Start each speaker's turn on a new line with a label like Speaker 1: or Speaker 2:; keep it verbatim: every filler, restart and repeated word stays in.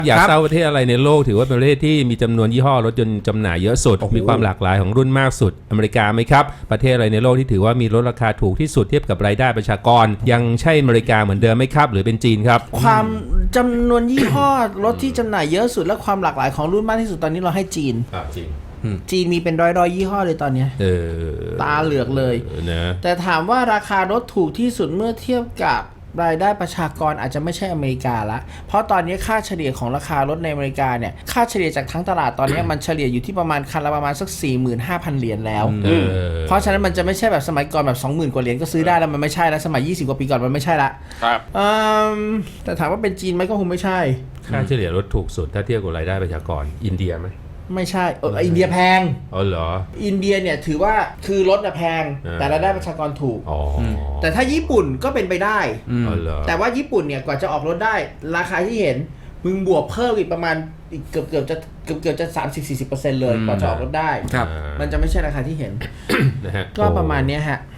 Speaker 1: อยากทราบประเทศอะไรในโลกถือว่าเป็นประเทศที่มีจำนวนยี่ห้อรถยนต์จำหน่ายเยอะสุดมีความหลากหลายของรุ่นมากสุดอเมริกาไหมครับประเทศอะไรในโลกที่ถือว่ามีรถราคาถูกที่สุดเทียบกับรายได้ประชากรยังใช่อเมริกาเหมือนเดิมไหมครับหรือเป็นจีนครับ
Speaker 2: ความจำนวนยี่ห้อรถที่จำหน่ายเยอะสุดและความหลากหลายของรุ่นมากที่สุดตอนนี้เราให้จีน
Speaker 1: จีน
Speaker 2: จีนมีเป็นร้อยร้อยยี่ห้อเลยตอนนี้ตาเหลือกเลย
Speaker 1: นะ
Speaker 2: แต่ถามว่าราคารถถูกที่สุดเมื่อเทียบกับรายได้ประชากรอาจจะไม่ใช่อเมริกาละเพราะตอนนี้ค่าเฉลี่ยของราคารถในอเมริกาเนี่ยค่าเฉลี่ยจากทั้งตลาดตอนนี้ มันเฉลี่ยอยู่ที่ประมาณคันละประมาณสัก สี่หมื่นห้าพัน เหรียญแล้วเพราะฉะนั้นมันจะไม่ใช่แบบสมัยก่อนแบบ สองหมื่น กว่าเหรียญก็ซื้อได้แล้วมันไม่ใช่แล้วสมัยยี่สิบกว่าปีก่อนมันไม่ใช่ละ
Speaker 3: ครับ
Speaker 2: แต่ถามว่าเป็นจีนไหมก็คงไม่ใช่
Speaker 1: ค่าเฉลี่ยรถถูกสุดถ้าเทียบกับรายได้ประชากรอินเดียไหม
Speaker 2: ไม่ใช่เอออินเดียแพง
Speaker 1: อ๋อเหรอ
Speaker 2: อินเดียเนี่ยถือว่าคือรถน่ะแพงแต่รายได้ประชากรถูก
Speaker 1: อ๋อ
Speaker 2: แต่ถ้าญี่ปุ่นก็เป็นไปได้
Speaker 1: อ๋อเหรอ
Speaker 2: แต่ว่าญี่ปุ่นเนี่ยกว่าจะออกรถได้ราคาที่เห็นมึงบวกเพิ่มอีกประมาณอีกเกือบเกือบจะเกือบเกือบจะ สามสิบถึงสี่สิบเปอร์เซ็นต์ เลยกว่าจะออกรถได้มันจะไม่ใช่ราคาที่เห็น
Speaker 1: นะฮะ
Speaker 2: ก็ประมาณนี้ฮะ